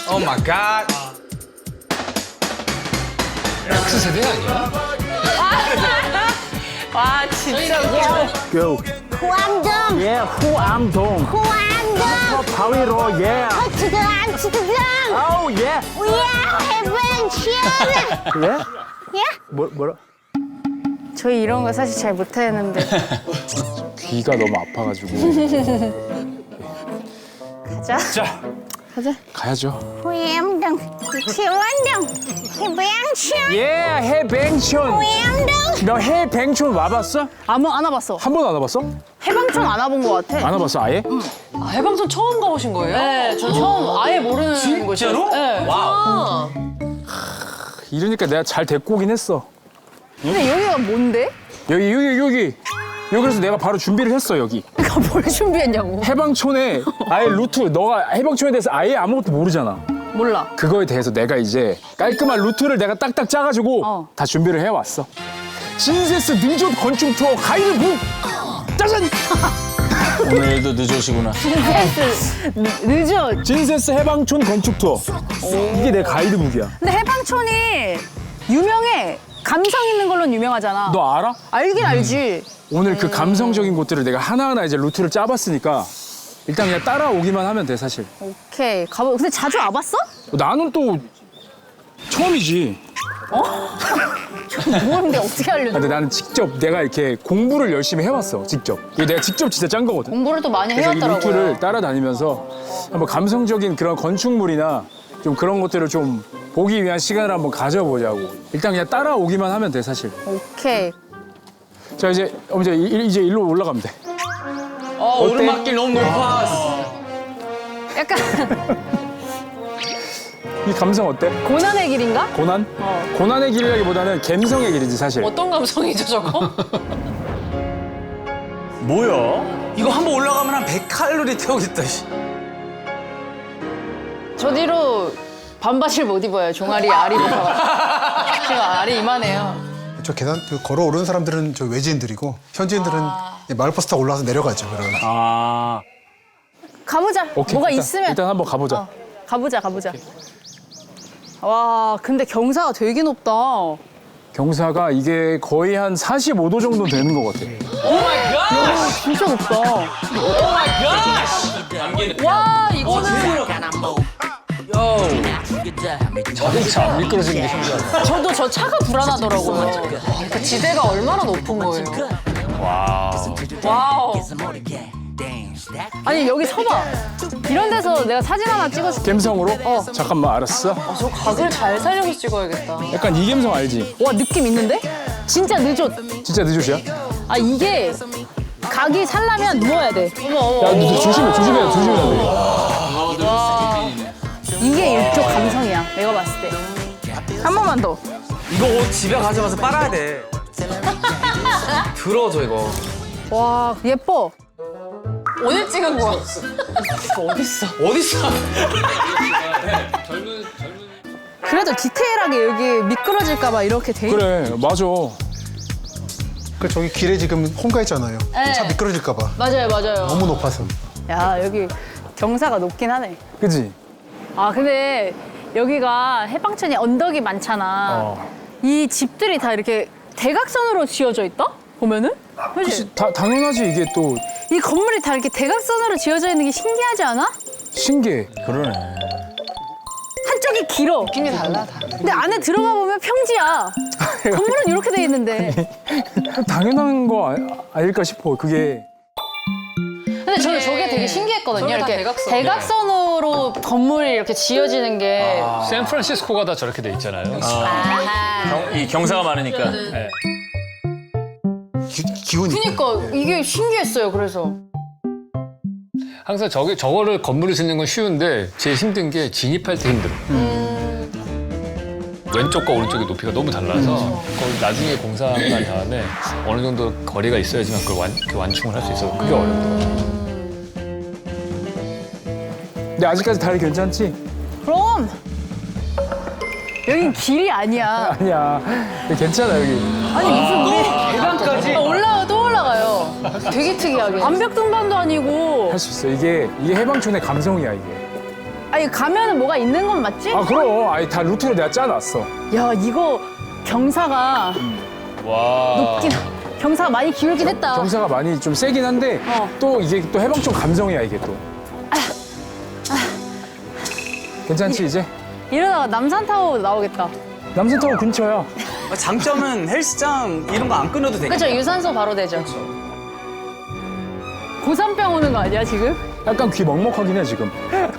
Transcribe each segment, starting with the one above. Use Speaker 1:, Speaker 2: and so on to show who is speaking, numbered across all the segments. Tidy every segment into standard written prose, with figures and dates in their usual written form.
Speaker 1: 오 마이 갓.
Speaker 2: X세대 아니야?
Speaker 3: 와 진짜
Speaker 4: Go.
Speaker 5: 호암동
Speaker 4: Yeah, 후암동.
Speaker 5: 호암동
Speaker 4: 바위로, yeah.
Speaker 5: 터치드랑 치트드랑
Speaker 4: Oh, yeah.
Speaker 5: 우야 해븐
Speaker 4: Yeah?
Speaker 5: 야
Speaker 4: 뭐라?
Speaker 3: 저희 이런 거 사실 잘 못하는데
Speaker 4: 귀가 너무 아파가지고.
Speaker 3: 가자.
Speaker 1: 자,
Speaker 3: 가자.
Speaker 4: 가야죠.
Speaker 5: 호암동 치원동 해병촌
Speaker 4: Yeah, 해뱅촌.
Speaker 5: 호암동
Speaker 4: 너 해뱅촌 와봤어?
Speaker 3: 안 와봤어.
Speaker 4: 한 번도 안 와봤어?
Speaker 3: 해방촌 안 와본 것 같아.
Speaker 4: 안 와봤어, 아예?
Speaker 6: 아, 해방촌 처음 가보신 거예요?
Speaker 3: 네, 저 처음 아예 모르는 곳이었어요.
Speaker 1: 진짜로?
Speaker 3: 네.
Speaker 1: 와우.
Speaker 4: 이러니까 내가 잘 데리고 오긴 했어.
Speaker 3: 근데 여기가 뭔데?
Speaker 4: 여기. 여기서 내가 바로 준비를 했어, 여기.
Speaker 3: 그러니까 뭘 준비했냐고.
Speaker 4: 해방촌에 아예 루트, 너가 해방촌에 대해서 아예 아무것도 모르잖아.
Speaker 3: 몰라.
Speaker 4: 그거에 대해서 내가 이제 깔끔한 루트를 내가 딱딱 짜가지고
Speaker 3: 어.
Speaker 4: 다 준비를 해왔어. 신세스 능조 건축 투어 가이드북! 짜잔!
Speaker 1: 오늘도 늦으시구나.
Speaker 3: 신세스 늦어.
Speaker 4: 신세스 해방촌 건축 투어. 이게 내 가이드북이야.
Speaker 3: 근데 해방촌이 유명해. 감성 있는 걸로는 유명하잖아.
Speaker 4: 너 알아?
Speaker 3: 알긴 알지.
Speaker 4: 오늘 그 감성적인 곳들을 내가 하나하나 이제 루트를 짜봤으니까 일단 그냥 따라오기만 하면 돼, 사실.
Speaker 3: 오케이. 가보. 근데 자주 와봤어?
Speaker 4: 나는 또 처음이지.
Speaker 3: 모르는데 어떻게 알려줘?
Speaker 4: 근데 나는 직접 내가 이렇게 공부를 열심히 해왔어, 직접. 이거 내가 직접 진짜 짠 거거든.
Speaker 3: 공부를 또 많이
Speaker 4: 그래서 이
Speaker 3: 해왔더라고요.
Speaker 4: 루트를 따라다니면서 한번 감성적인 그런 건축물이나 좀 그런 것들을 좀 보기 위한 시간을 한번 가져보자고. 일단 그냥 따라오기만 하면 돼, 사실.
Speaker 3: 오케이.
Speaker 4: 자, 이제 이제 일로 올라가면 돼.
Speaker 1: 오르막길 너무 높아.
Speaker 3: 약간
Speaker 4: 이 감성 어때?
Speaker 3: 고난의 길인가?
Speaker 4: 고난? 고난의 길이라기보다는 갬성의 길이지, 사실.
Speaker 6: 어떤 감성이죠, 저거?
Speaker 1: 뭐야? 이거 한번 올라가면 한 100칼로리 태우겠다. 씨.
Speaker 3: 저 뒤로 반바지를 못 입어요. 종아리 알이 높아. 제가 알이 이만해요.
Speaker 7: 저 계단 걸어 오르는 사람들은 저 외지인들이고 현지인들은 마을버스 타고 올라와서 내려가죠. 그러면.
Speaker 1: 아.
Speaker 3: 가보자.
Speaker 4: 오케이,
Speaker 3: 뭐가
Speaker 4: 일단,
Speaker 3: 있으면.
Speaker 4: 일단 한번 가보자.
Speaker 3: 가보자. 와, 근데 경사가 되게 높다.
Speaker 4: 경사가 이게 거의 한 45도 정도 되는 것 같아.
Speaker 3: 진짜 높다.
Speaker 6: 와, 이거는
Speaker 2: 자동차 안 미끄러지는 게 신기하다.
Speaker 6: 저도 저 차가 불안하더라고요. 그 지대가 얼마나 높은 거예요. 와우.
Speaker 3: 아니, 여기 서봐. 이런 데서 내가 사진 하나 찍어줄게.
Speaker 4: 갬성으로? 잠깐만, 알았어.
Speaker 6: 저 각을 잘 살려서 찍어야겠다.
Speaker 4: 약간 이 갬성 알지?
Speaker 3: 와, 느낌 있는데? 진짜 늦어.
Speaker 4: 진짜 늦으시야?
Speaker 3: 아, 이게 각이 살려면 누워야 돼.
Speaker 4: 야, 너 조심해야 돼.
Speaker 3: 이게 일종 감성이야. 내가 봤을 때. 한 번만 더.
Speaker 1: 이거 옷 집에 가져가서 빨아야 돼. 더러워져 이거.
Speaker 3: 와, 예뻐.
Speaker 6: 오늘 찍은 거야. 어딨어?
Speaker 1: 어딨어?
Speaker 3: 그래도 디테일하게 여기 미끄러질까봐 이렇게 돼 있
Speaker 4: 그래, 맞아.
Speaker 7: 그 저기 길에 지금 홍가 있잖아요.
Speaker 3: 네.
Speaker 7: 차 미끄러질까 봐.
Speaker 3: 맞아요.
Speaker 7: 너무 높아서.
Speaker 3: 야, 여기 경사가 높긴 하네.
Speaker 4: 그지?
Speaker 3: 아, 근데 여기가 해방촌이 언덕이 많잖아. 이 집들이 다 이렇게 대각선으로 지어져 있다? 보면은? 그치?
Speaker 4: 당연하지, 이게 또
Speaker 3: 이 건물이 다 이렇게 대각선으로 지어져 있는 게 신기하지 않아?
Speaker 4: 신기해.
Speaker 1: 그러네.
Speaker 3: 한쪽이 길어.
Speaker 6: 느낌이 달라, 다.
Speaker 3: 근데 안에 들어가 보면 평지야. 건물은 이렇게 돼 있는데.
Speaker 4: 당연한 거 아닐까 싶어, 그게.
Speaker 3: 근데 저는 저게 되게 신기했거든요.
Speaker 6: 저게 다
Speaker 3: 이렇게
Speaker 6: 대각선.
Speaker 3: 대각선으로 건물이 이렇게 지어지는 게.
Speaker 2: 샌프란시스코가 다 저렇게 돼 있잖아요.
Speaker 1: 이 경사가 많으니까.
Speaker 2: 네.
Speaker 7: 기운이.
Speaker 3: 그러니까 이게 신기했어요. 그래서.
Speaker 2: 항상 저거를 건물을 짓는 건 쉬운데 제일 힘든 게 진입할 때 힘들어. 왼쪽과 오른쪽의 높이가 너무 달라서 그걸 나중에 공사한 다음에 어느 정도 거리가 있어야지만 그걸 완충을 할 수 있어서 그게 어렵더라고요.
Speaker 4: 근데 아직까지 다리 괜찮지?
Speaker 3: 그럼. 여긴 길이 아니야.
Speaker 4: 아니야. 근데 괜찮아, 여기.
Speaker 3: 아니 무슨 우리
Speaker 1: 계단까지.
Speaker 3: 올라가 또 올라가요. 되게 특이하게. 암벽 등반도 아니고.
Speaker 4: 할 수 있어. 이게 해방촌의 감성이야, 이게.
Speaker 3: 아니 가면은 뭐가 있는 건 맞지?
Speaker 4: 아 그럼 아니 다 루트를 내가 짜놨어.
Speaker 3: 야 이거 경사가
Speaker 2: 와.
Speaker 3: 경사가 많이 기울긴 했다.
Speaker 4: 경사가 많이 좀 세긴 한데 또 이게 또 해방촌 감성이야 이게 또. 괜찮지 이제?
Speaker 3: 이러다가 남산타워 나오겠다.
Speaker 4: 남산타워 근처야.
Speaker 1: 장점은 헬스장 이런 거 안 끊어도 되겠다.
Speaker 6: 그렇죠. 유산소 바로 되죠.
Speaker 3: 고산병 오는 거 아니야 지금?
Speaker 4: 약간 귀 먹먹하긴 해 지금.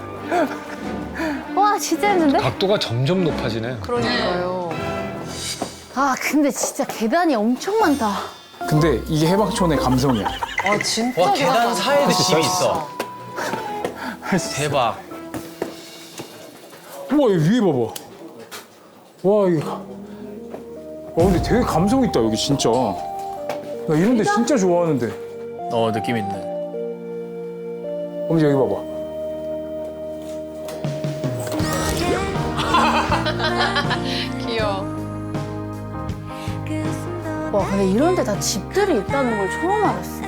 Speaker 3: 와 진짜 힘든데?
Speaker 2: 각도가 점점 높아지네.
Speaker 6: 그러니까요.
Speaker 3: 아 근데 진짜 계단이 엄청 많다.
Speaker 4: 근데 이게 해방촌의 감성이야.
Speaker 6: 아 진짜
Speaker 1: 와 계단 사이에도
Speaker 4: 수 있어,
Speaker 1: 집이
Speaker 4: 할 수
Speaker 1: 있어. 대박.
Speaker 4: 우와 여기 위에 봐봐. 와 이거. 근데 되게 감성 있다 여기 진짜. 나 이런 데 진짜 좋아하는데.
Speaker 1: 느낌 있네.
Speaker 4: 엄지 여기 봐봐.
Speaker 6: 귀여워.
Speaker 3: 와 근데 이런 데 다 집들이 있다는 걸 처음 알았어.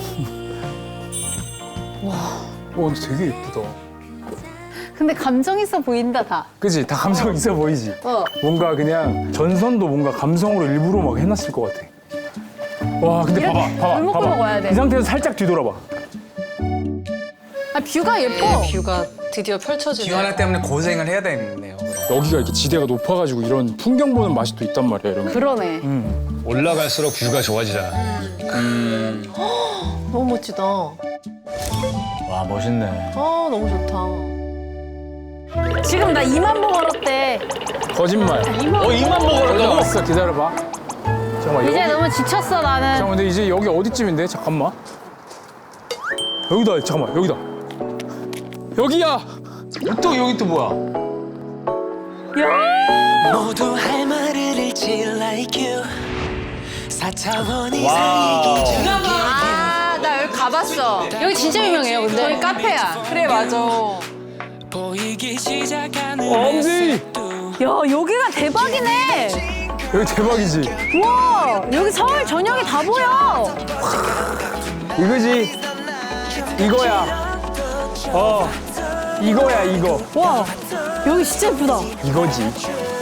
Speaker 4: 근데 되게 예쁘다.
Speaker 3: 근데 감성 있어 보인다 다.
Speaker 4: 그치? 다 감성 있어 보이지? 뭔가 그냥 전선도 뭔가 감성으로 일부러 막 해놨을 것 같아. 와 근데
Speaker 3: 이렇게
Speaker 4: 봐봐.
Speaker 3: 골목골목 와야 돼.
Speaker 4: 이 상태에서 살짝 뒤돌아봐.
Speaker 3: 아 뷰가 예뻐.
Speaker 6: 뷰가 드디어 펼쳐지네.
Speaker 1: 뷰 하나 때문에 고생을 해야 되겠네요.
Speaker 4: 여기가 이렇게 지대가 높아가지고 이런 풍경 보는 맛이 또 있단 말이야 이런 거.
Speaker 3: 그러네.
Speaker 2: 올라갈수록 뷰가 좋아지잖아.
Speaker 6: 너무 멋지다.
Speaker 1: 와 멋있네.
Speaker 6: 아 너무 좋다.
Speaker 3: 지금 나 2만 보 걸었대.
Speaker 4: 거짓말.
Speaker 1: 2만 보 걸었다고?
Speaker 4: 걸었어 기다려봐. 잠깐만
Speaker 3: 이제
Speaker 4: 여기.
Speaker 3: 너무 지쳤어 나는.
Speaker 4: 잠깐만 근데 이제 여기 어디쯤인데? 잠깐만. 여기다 잠깐만 여기다. 여기야.
Speaker 1: 또 여기 또 뭐야?
Speaker 8: 모두 할 말을 잃지 like you 4차원 이상의
Speaker 1: 와우.
Speaker 8: 기준
Speaker 6: 아나 여기 가봤어. 여기 진짜 유명해요. 근데 여기 카페야. 그래 맞아.
Speaker 8: 보이기 시작하는
Speaker 4: 엄지.
Speaker 3: 야 여기가 대박이네.
Speaker 4: 여기 대박이지.
Speaker 3: 와 여기 서울 전역이 다 보여.
Speaker 4: 이거지. 이거야. 이거야 이거.
Speaker 3: 와 여기 진짜 예쁘다.
Speaker 4: 이거지.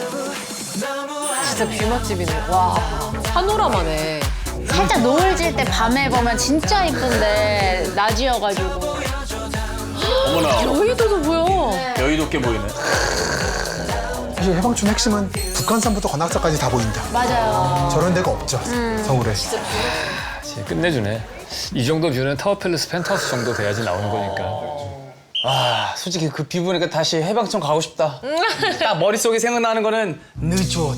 Speaker 6: 진짜 뷰 맛집이네. 와 파노라마네.
Speaker 3: 살짝 노을 질 때 밤에 보면 진짜 이쁜데 낮이어가지고.
Speaker 1: 어머나
Speaker 6: 여의도도 보여.
Speaker 1: 여의도께 보이네.
Speaker 7: 사실 해방촌 핵심은 북한산부터 관악산까지 다 보인다.
Speaker 3: 맞아요.
Speaker 7: 저런 데가 없죠. 서울에.
Speaker 2: 진짜 끝내주네. 이 정도 뷰는 타워팰리스 펜트하우스 정도 돼야지 나오는 거니까.
Speaker 1: 아 솔직히 그 뷰 보니까 다시 해방촌 가고 싶다. 딱 머릿속에 생각나는 거는 늦어.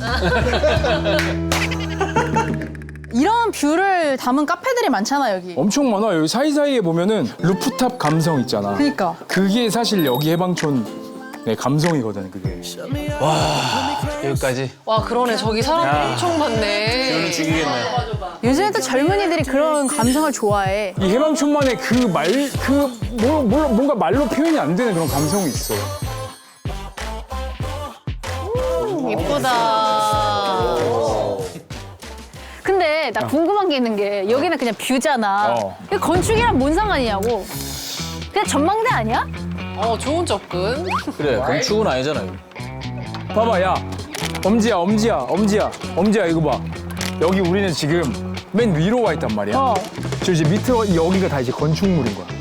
Speaker 3: 이런 뷰를 담은 카페들이 많잖아 여기.
Speaker 4: 엄청 많아. 여기 사이사이에 보면은 루프탑 감성 있잖아.
Speaker 3: 그니까.
Speaker 4: 그게 사실 여기 해방촌의 감성이거든, 그게.
Speaker 1: 여기까지.
Speaker 6: 와 그러네. 저기 사람
Speaker 1: 야.
Speaker 6: 엄청 많네.
Speaker 1: 뷰는 죽이겠네.
Speaker 3: 요즘에 또 젊은이들이 그런 감성을 좋아해.
Speaker 4: 이 해방촌만의 뭔가 말로 표현이 안 되는 그런 감성이 있어.
Speaker 6: 예쁘다.
Speaker 3: 근데 나 궁금한 게 있는 게 여기는 그냥 뷰잖아. 근데 건축이랑 뭔 상관이냐고. 그냥 전망대 아니야?
Speaker 6: 좋은 접근.
Speaker 1: 그래 건축은 아니잖아요.
Speaker 4: 봐봐, 야. 엄지야, 이거 봐. 여기 우리는 지금 맨 위로 와 있단 말이야. 저 이제 밑에 여기가 다 이제 건축물인 거야.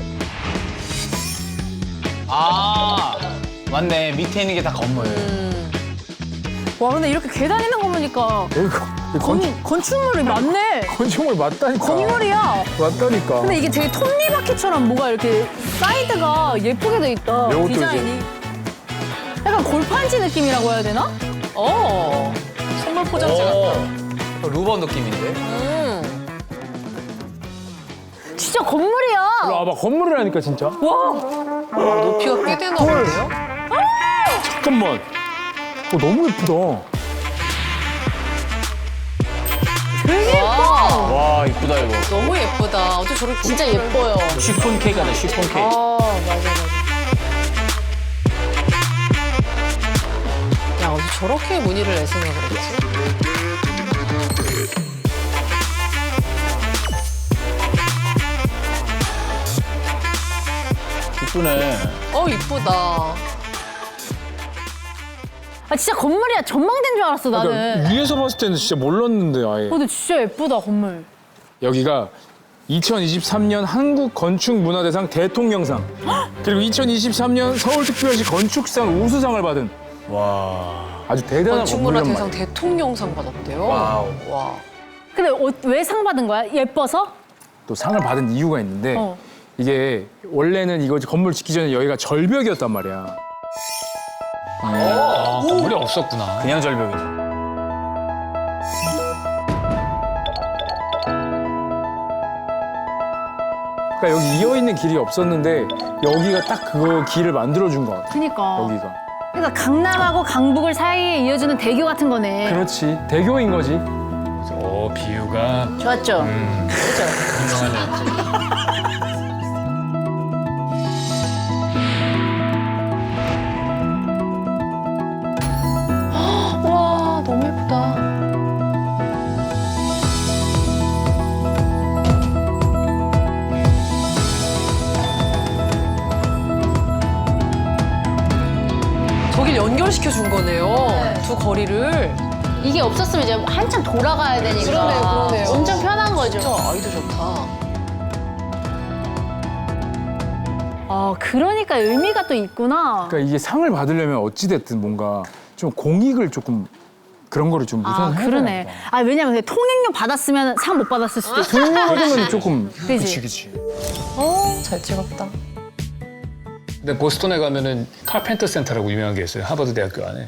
Speaker 1: 아 맞네 밑에 있는 게 다 건물.
Speaker 3: 와 근데 이렇게 계단 있는 거 보니까
Speaker 4: 여기가
Speaker 3: 건축물이 많네.
Speaker 4: 건축물 맞다니까.
Speaker 3: 건물이야.
Speaker 4: 맞다니까.
Speaker 3: 근데 이게 되게 톱니바퀴처럼 뭐가 이렇게 사이드가 예쁘게 돼 있다.
Speaker 4: 이것도
Speaker 3: 디자인이. 약간 골판지 느낌이라고 해야 되나?
Speaker 6: 선물 포장지 같다.
Speaker 1: 루버 느낌인데.
Speaker 3: 진짜 건물이야.
Speaker 4: 일로 와봐, 건물이라니까 진짜.
Speaker 6: 높이가 꽤 되나 본데요?
Speaker 4: 잠깐만. 너무 예쁘다.
Speaker 3: 되게 예뻐.
Speaker 1: 와 이쁘다 이거.
Speaker 6: 너무 예쁘다. 어떻게 저렇게 진짜 예뻐요.
Speaker 1: 쉬폰 케이크 하네 쉬폰 케이크.
Speaker 6: 맞아. 야 어떻게 저렇게 무늬를 낼 생각을 했지?
Speaker 1: 이쁘네.
Speaker 6: 이쁘다.
Speaker 3: 아 진짜 건물이야. 전망대인 줄 알았어 나는.
Speaker 4: 그러니까 위에서 봤을 때는 진짜 몰랐는데 아예.
Speaker 3: 근데 진짜 예쁘다 건물.
Speaker 4: 여기가 2023년 한국건축문화대상 대통령상 그리고 2023년 서울특별시 건축상 우수상을 받은 아주 대단한
Speaker 6: 건축문화대상
Speaker 4: 건물이란 말이야.
Speaker 6: 대통령상 받았대요.
Speaker 1: 와우.
Speaker 6: 와.
Speaker 3: 근데 왜 상 받은 거야? 예뻐서?
Speaker 4: 또 상을 받은 이유가 있는데
Speaker 3: 어.
Speaker 4: 이게 원래는 이거 건물 짓기 전에 여기가 절벽이었단 말이야.
Speaker 2: 건물이 없었구나.
Speaker 1: 그냥 절벽이네.
Speaker 4: 그러니까 여기 이어 있는 길이 없었는데 여기가 딱 그 길을 만들어준 것 같아.
Speaker 3: 그니까.
Speaker 4: 여기가.
Speaker 3: 그러니까 강남하고 강북을 사이에 이어주는 대교 같은 거네.
Speaker 4: 그렇지. 대교인 거지.
Speaker 2: 비유가
Speaker 3: 좋았죠?
Speaker 2: 훌륭하네.
Speaker 6: 와, 너무 예쁘다. 저길 연결시켜 준 거네요. 두 거리를.
Speaker 3: 이게 없었으면 이제 한참 돌아가야 되니까.
Speaker 6: 그러네요.
Speaker 3: 엄청 편한 거죠.
Speaker 6: 진짜 아이도 좋다.
Speaker 3: 아, 그러니까 의미가 또 있구나.
Speaker 4: 그러니까 이게 상을 받으려면 어찌됐든 뭔가 좀 공익을 조금 그런 거를 좀
Speaker 3: 아,
Speaker 4: 우선
Speaker 3: 그러네.
Speaker 4: 해야 돼.
Speaker 3: 아, 왜냐면 통행료 받았으면 상 못 받았을 수도 있어.
Speaker 4: 그러면 조금
Speaker 3: 그지?
Speaker 4: 그치.
Speaker 6: 잘 찍었다.
Speaker 2: 근데 보스턴에 가면은 카펜터 센터라고 유명한 게 있어요. 하버드 대학교 안에.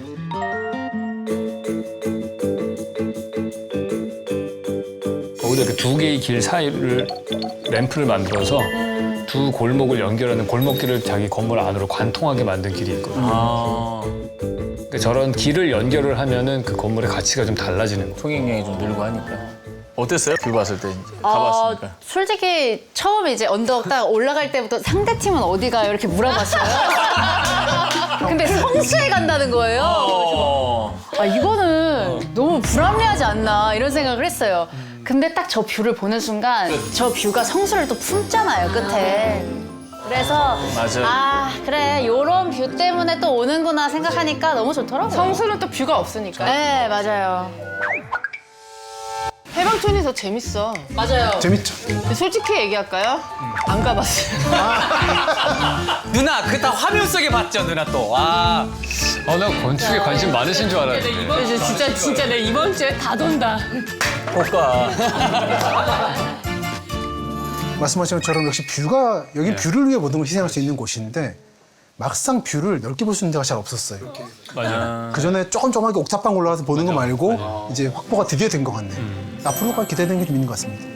Speaker 2: 거기다 이렇게 두 개의 길 사이를 램프를 만들어서 두 골목을 연결하는 골목길을 자기 건물 안으로 관통하게 만든 길이 있거든요. 그러니까 저런 길을 연결을 하면은 그 건물의 가치가 좀 달라지는 거예요.
Speaker 1: 통행량이 좀 늘고 하니까. 어땠어요? 뷰 봤을 때 이제 가봤으니까.
Speaker 3: 솔직히 처음에 이제 언덕 딱 올라갈 때부터 상대 팀은 어디 가요? 이렇게 물어봤어요. 근데 성수에 간다는 거예요. 아, 이거는 너무 불합리하지 않나 이런 생각을 했어요. 근데 딱 저 뷰를 보는 순간 저 뷰가 성수를 또 품잖아요, 끝에. 그래서
Speaker 1: 맞아.
Speaker 3: 아, 그래. 요런 뷰 때문에 또 오는구나 생각하니까 너무 좋더라고요.
Speaker 6: 성수는 또 뷰가 없으니까.
Speaker 3: 네, 맞아요.
Speaker 6: 해방촌이 더 재밌어. 맞아요.
Speaker 7: 재밌죠?
Speaker 6: 솔직히 얘기할까요? 안 가봤어요.
Speaker 1: 누나, 그거 다 화면 속에 봤죠, 누나 또. 와.
Speaker 2: 나 건축에 관심 많으신 줄 알았는데.
Speaker 6: 진짜 내 이번 주에 다 돈다.
Speaker 1: 못 가.
Speaker 7: 말씀하신 것처럼 역시 뷰가 여기 뷰를 위해 모든 걸 희생할 수 있는 곳인데 막상 뷰를 넓게 볼 수 있는 데가 잘 없었어요.
Speaker 2: 맞아.
Speaker 7: 그 전에 조금조금하게 옥탑방 올라가서 보는 거 말고 이제 확보가 드디어 된 것 같네요. 앞으로가 기대되는 게 좀 있는 것 같습니다.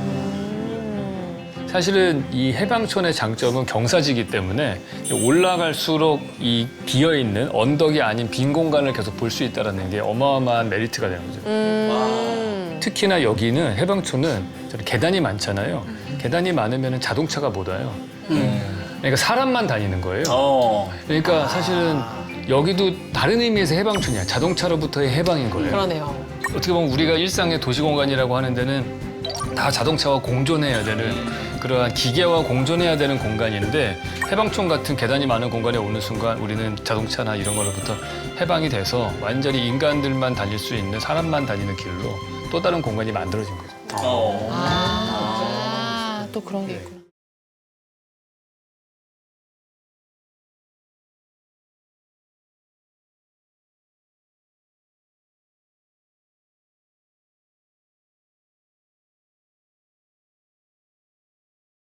Speaker 2: 사실은 이 해방촌의 장점은 경사지기 때문에 올라갈수록 이 비어있는 언덕이 아닌 빈 공간을 계속 볼 수 있다는 게 어마어마한 메리트가 되는 거죠. 특히나 여기는 해방촌은 저런 계단이 많잖아요. 계단이 많으면 자동차가 못 와요. 그러니까 사람만 다니는 거예요. 그러니까 사실은 여기도 다른 의미에서 해방촌이야. 자동차로부터의 해방인 거예요.
Speaker 6: 그러네요.
Speaker 2: 어떻게 보면 우리가 일상의 도시공간이라고 하는 데는 다 자동차와 공존해야 되는 그러한 기계와 공존해야 되는 공간인데 해방촌 같은 계단이 많은 공간에 오는 순간 우리는 자동차나 이런 거로부터 해방이 돼서 완전히 인간들만 다닐 수 있는 사람만 다니는 길로 또 다른 공간이 만들어진 거죠.
Speaker 6: 또 그런 게 있구나.